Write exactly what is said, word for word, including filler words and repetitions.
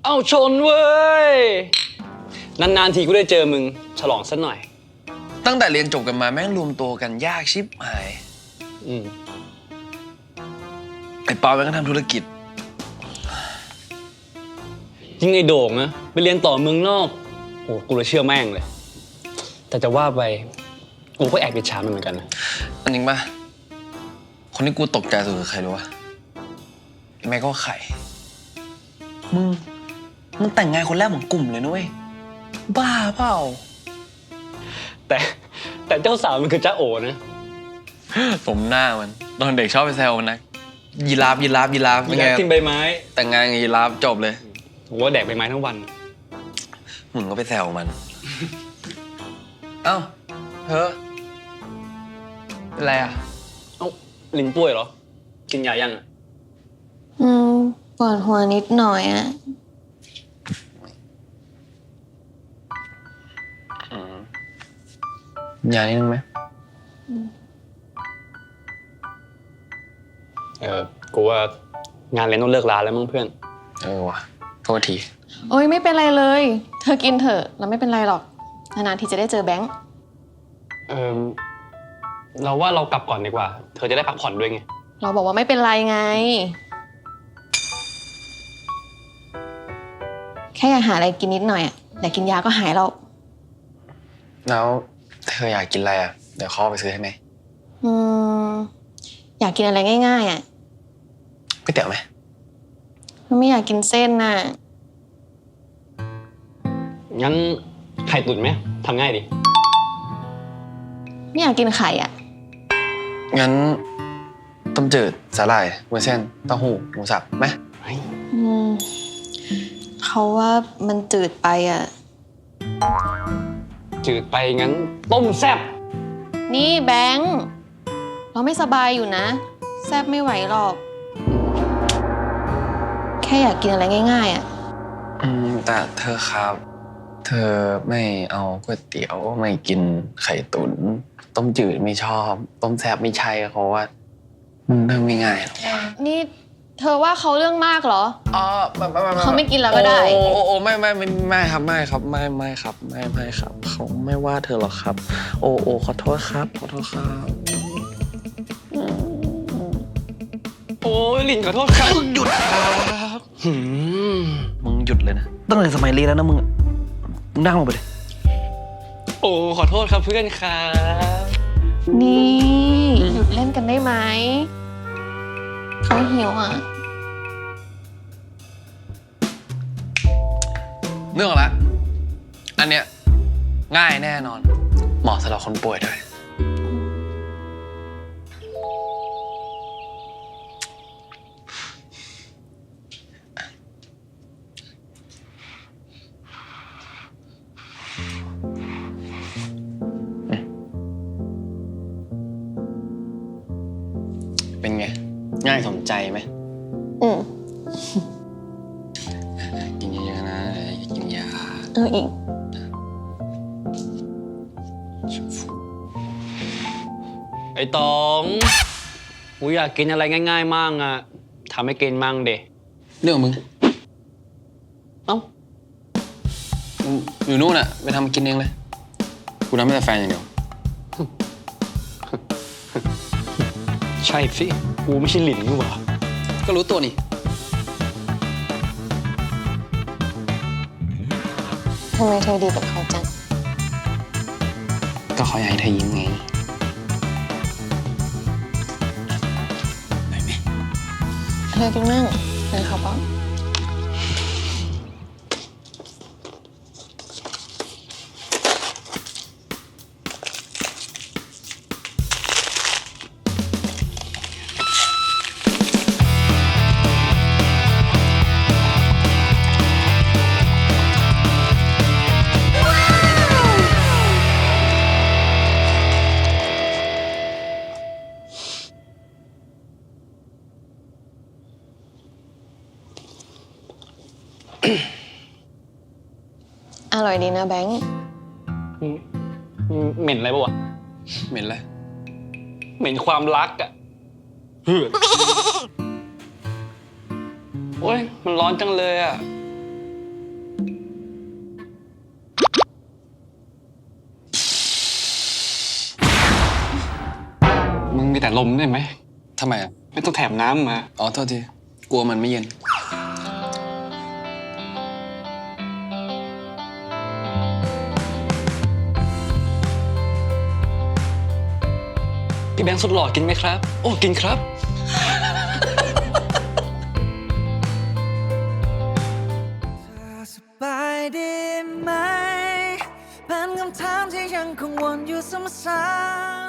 เอาชนเว้ยนานๆทีกูได้เจอมึงฉลองสักหน่อยตั้งแต่เรียนจบกันมาแม่งรวมตัวกันยากชิบหายอืมไอ้ปาแม่งก็ทำธุรกิจยิ่งไอ้โด่งนะไปเรียนต่อเมืองนอกโอ้กูเลยเชื่อแม่งเลยแต่จะว่าไปกูก็แอบอิจฉามันเหมือนกันนะอันจริงป่ะคนที่กูตกใจสุดคือใครรู้ป่ะแม่ก็ไข่มึงมึงแต่งงานคนแรกของกลุ่มเลยนุ้ยบ้าเปล่าแต่แต่เจ้าสาวมันคือจ้าโอนะผมหน้ามันตอนเด็กชอบไปแซวมันนะยีราฟยีราฟยีราฟเป็นไงทิ้งใบไม้แต่งงานกับยีราฟจบเลยผมว่าแดกใบไม้ทั้งวันมึงก็ไปแซวมันเอ้าเฮ้อเป็นไรอ่ะเอ้าลิ้นป่วยเหรอกินยายังอ่ะอืมปวดหัวนิดหน่อยอ่ะยานิดนึงไหมเออกูว่างานเลี้ยงต้องเลิกลาแล้วมั้งเพื่อนเออว่ะโทษทีโอ้ยไม่เป็นไรเลยเธอกินเถอะแล้วไม่เป็นไรหรอกนานๆทีจะได้เจอแบงค์เออเราว่าเรากลับก่อนดีกว่าเธอจะได้พักผ่อนด้วยไงเราบอกว่าไม่เป็นไรไงแค่อยากหาอะไรกินนิดหน่อยอ่ะแต่กินยาก็หายแล้วแล้วเธออยากกินอะไรอ่ะเดี๋ยวเขาไปซื้อให้ไหมอืมอยากกินอะไรง่ายๆอ่ะก๋วยเตี๋ยวไหมไม่อยากกินเส้นน่ะงั้นไข่ตุ๋นไหมทำง่ายดิไม่อยากกินไข่อ่ะงั้นต้มจืดสาหร่ายวุ้นเส้นเต้าหู้หมูสับไหมอืมเขาว่ามันจืดไปอ่ะจืดไปงั้นต้มแซ่บนี่แบงค์เราไม่สบายอยู่นะแซ่บไม่ไหวหรอกแค่อยากกินอะไรง่ายๆอ่ะอืมแต่เธอครับเธอไม่เอาก๋วยเตี๋ยวไม่กินไข่ตุ๋นต้มจืดไม่ชอบต้มแซ่บไม่ใช่เขาว่ามันเรื่องไม่ง่ายหรอกนี่เธอว่าเขาเรื่องมากเหรออ๋อเขาไม่กินแล้วก็ได้โอ้โอ้ไม่ไม่ไม่ไม่ครับไม่ครับไม่ไม่ครับไม่ไม่ครับเขาไม่ว่าเธอหรอกครับโอ้โอ้ขอโทษครับขอโทษครับโอ้ยลินขอโทษครับหยุดครับมึงหยุดเลยนะตั้งแต่สมัยเรียนแล้วนะมึงมึงนั่งลงไปเลยโอ้ขอโทษครับเพื่อนครับนี่หยุดเล่นกันได้ไหมเขาหิวอ่ะเรื่องละอันเนี้ยง่ายแน่นอนเหมาะสำหรับคนป่วยด้วยเป็นไงง่ายสมใจไหมอืมกินเยอะๆนะกินยาเอออีกไอ้ตองกูอยากกินอะไรง่ายๆมั่งอ่ะทำให้กินมั่งเดะเรื่องมึงเอ้าอยู่นู่นอ่ะไปทำกินเองเลยกูทำให้แต่แฟนอย่างเดียวใช่สิกูไม่ใช่หลินนี่หว่าก็รู้ตัวนี่ทำไมเธอดีกับเขาจังก็เขาอยากให้เธอยิ้มไงไหนไหมเธอกินมั่งเดี๋ยวเขาป้อนอร่อยดีนะแบงค์เหม็นอะไรปะวะเหม็นอะไรเหม็นความรักอะเฮ้ย โอ๊ยมันร้อนจังเลยอะมีแต่ลมได้ไหมทำไมอ่ะไม่ต้องแถมน้ำมาอ๋อ โทษที กลัวมันไม่เย็นพี่แบงค์สุดหล่อกินไหมครับ โอ้กินครับสบายดีไหมเป็นคำถามที่ยังคงวนอยู่ซ้ำ